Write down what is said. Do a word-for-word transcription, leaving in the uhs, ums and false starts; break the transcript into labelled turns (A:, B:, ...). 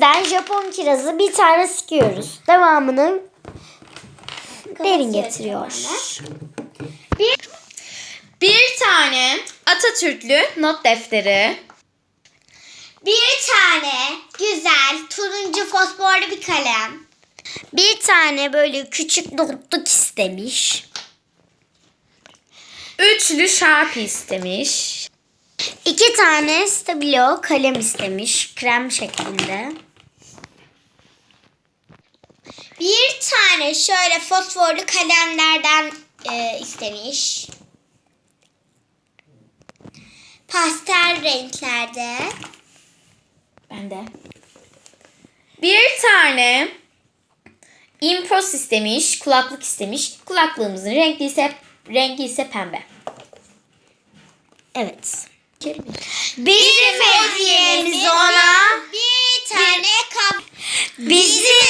A: bizden Japon kirazı bir tane sıkıyoruz. Devamını derin getiriyor.
B: Bir, bir tane Atatürklü not defteri.
C: Bir tane güzel turuncu fosforlu bir kalem.
A: Bir tane böyle küçük notluk istemiş.
B: Üçlü Sharpie istemiş.
A: İki tane Stabilo kalem istemiş. Krem şeklinde.
C: Bir tane şöyle fosforlu kalemlerden e, istemiş. Pastel renklerde.
B: Ben de. Bir tane Impros istemiş. Kulaklık istemiş. Kulaklığımızın renkli ise, rengi ise pembe.
A: Evet.
C: Bizim hediyemiz ona bir tane kap.
A: Bizim